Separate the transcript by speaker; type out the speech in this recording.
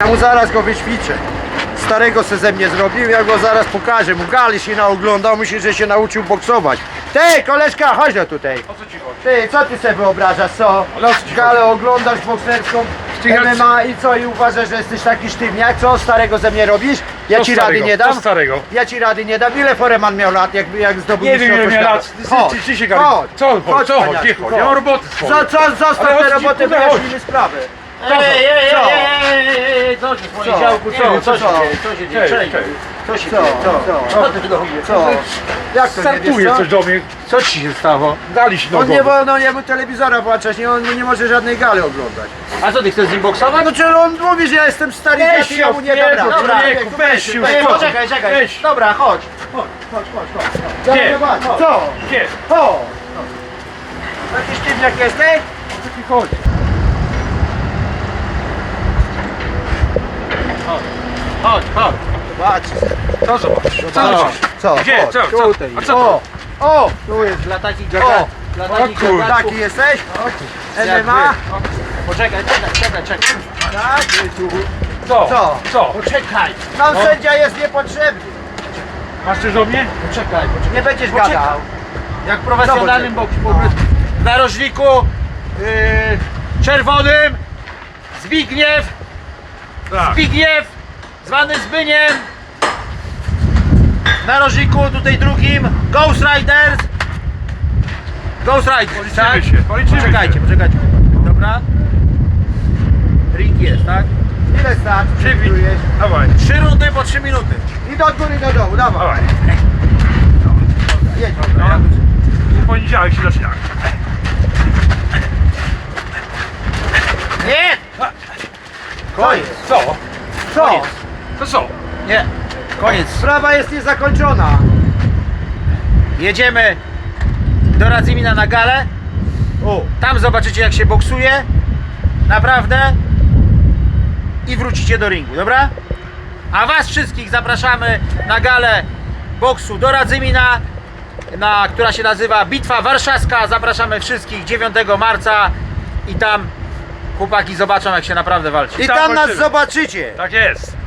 Speaker 1: Ja mu zaraz go wyćwiczę. Starego se ze mnie zrobił, ja go zaraz pokażę. Mu gali się naoglądał, myśli, że się nauczył boksować. Ty, koleżka, chodź no tutaj.
Speaker 2: O co ci chodzi?
Speaker 1: Ty, co ty sobie wyobrażasz, co?
Speaker 2: Ale o co ci
Speaker 1: Galę oglądasz bokserską, MMA i co? I uważasz, że jesteś taki sztywniak? Co starego ze mnie robisz? Ja
Speaker 2: Co
Speaker 1: ci
Speaker 2: starego?
Speaker 1: rady nie dam.
Speaker 2: Co starego?
Speaker 1: Ja ci rady nie dam. Ile Foreman miał lat, jak zdobył
Speaker 2: Nie wiem ile
Speaker 1: mistrzostwo
Speaker 2: miał
Speaker 1: świata?
Speaker 2: lat.
Speaker 1: Chodź,
Speaker 2: Ty się gali.
Speaker 1: chodź,
Speaker 2: Co chodź?
Speaker 1: chodź,
Speaker 2: Co chodź?
Speaker 1: paniaczku,
Speaker 2: Nie chodź.
Speaker 1: chodź.
Speaker 2: Ja mam roboty swoje.
Speaker 1: Zostaw
Speaker 2: Ale o
Speaker 1: te
Speaker 2: co ci,
Speaker 1: roboty,
Speaker 2: kurde,
Speaker 1: wyjaśnijmy sprawę.
Speaker 3: Co się w moim
Speaker 1: Co?
Speaker 3: działku, co się dzieje, co się dzieje,
Speaker 2: Cześć,
Speaker 3: cześć,
Speaker 2: cześć.
Speaker 3: co się
Speaker 1: Co?
Speaker 3: dzieje,
Speaker 1: Co?
Speaker 3: co ty do mnie,
Speaker 1: Co? Jak to nie wiesz,
Speaker 2: Startuje
Speaker 1: co?
Speaker 2: coś do mnie.
Speaker 3: co ci się stało?
Speaker 2: Dali się
Speaker 1: On nie
Speaker 2: nogowo.
Speaker 1: wolno jemu telewizora włączać, on nie może żadnej gali oglądać.
Speaker 3: A co ty chcesz z nim boksować?
Speaker 1: No czy on mówi, że ja jestem stary, ja
Speaker 2: się,
Speaker 1: ja mu nie
Speaker 2: Jezu,
Speaker 1: dam rady.
Speaker 2: dobra,
Speaker 1: Człowieku,
Speaker 2: weź się,
Speaker 1: weź,
Speaker 2: uspokój.
Speaker 3: Poczekaj, czekaj,
Speaker 2: Weź.
Speaker 3: dobra, chodź.
Speaker 2: Gdzie?
Speaker 1: Zobacz, co?
Speaker 2: Gdzie?
Speaker 1: Co? Taki sztywniak jesteś?
Speaker 2: O co ci chodzi?
Speaker 3: Chodź, chodź.
Speaker 1: Zobacz,
Speaker 2: Co zobacz? Co
Speaker 1: zobacz.
Speaker 2: zobacz?
Speaker 1: Co?
Speaker 2: Gdzie?
Speaker 1: Chodź,
Speaker 2: Co? Co?
Speaker 1: tutaj.
Speaker 2: A co to?
Speaker 1: O, tu jest.
Speaker 3: Dla takich
Speaker 1: O,
Speaker 3: gagatów, dla takich
Speaker 2: o kurde.
Speaker 3: gagatów.
Speaker 1: Taki jesteś?
Speaker 3: Jak
Speaker 1: MMA?
Speaker 3: Poczekaj, czekaj.
Speaker 1: Tak.
Speaker 2: Co?
Speaker 1: Co?
Speaker 2: Co?
Speaker 3: Poczekaj,
Speaker 1: Nam sędzia jest niepotrzebny.
Speaker 2: Masz coś do mnie?
Speaker 3: poczekaj.
Speaker 1: Nie będziesz
Speaker 3: Poczekaj.
Speaker 1: gadał.
Speaker 3: Jak w profesjonalnym boksie, po prostu. W narożniku czerwonym Zbigniew,
Speaker 2: Tak.
Speaker 3: zwany Zbyniem. W narożniku tutaj drugim Ghost Riders.
Speaker 2: Policzymy się, policzymy
Speaker 3: Poczekajcie,
Speaker 2: się.
Speaker 3: poczekajcie. Dobra. Ring jest, tak?
Speaker 1: Ile starczy?
Speaker 2: Przywit.
Speaker 1: Przewidujesz?
Speaker 2: Dawaj,
Speaker 3: 3 rundy po 3 minuty.
Speaker 1: I do góry, do dołu, dawaj.
Speaker 2: dawaj.
Speaker 1: Jedź.
Speaker 2: No. W poniedziałek się zaczyna.
Speaker 3: Nie!
Speaker 1: Koniec.
Speaker 2: Co?
Speaker 1: Co?
Speaker 3: Koniec.
Speaker 2: To co?
Speaker 3: Nie. Koniec.
Speaker 1: Sprawa jest niezakończona.
Speaker 3: Jedziemy do Radzymina na galę.
Speaker 1: O,
Speaker 3: Tam zobaczycie jak się boksuje. Naprawdę. I wrócicie do ringu, dobra? A was wszystkich zapraszamy na galę boksu do Radzymina, która się nazywa Bitwa Warszawska. Zapraszamy wszystkich 9 marca i tam chłopaki zobaczą jak się naprawdę walczy.
Speaker 1: i
Speaker 2: Tam
Speaker 1: tam nas
Speaker 2: walczymy.
Speaker 1: zobaczycie.
Speaker 2: Tak jest.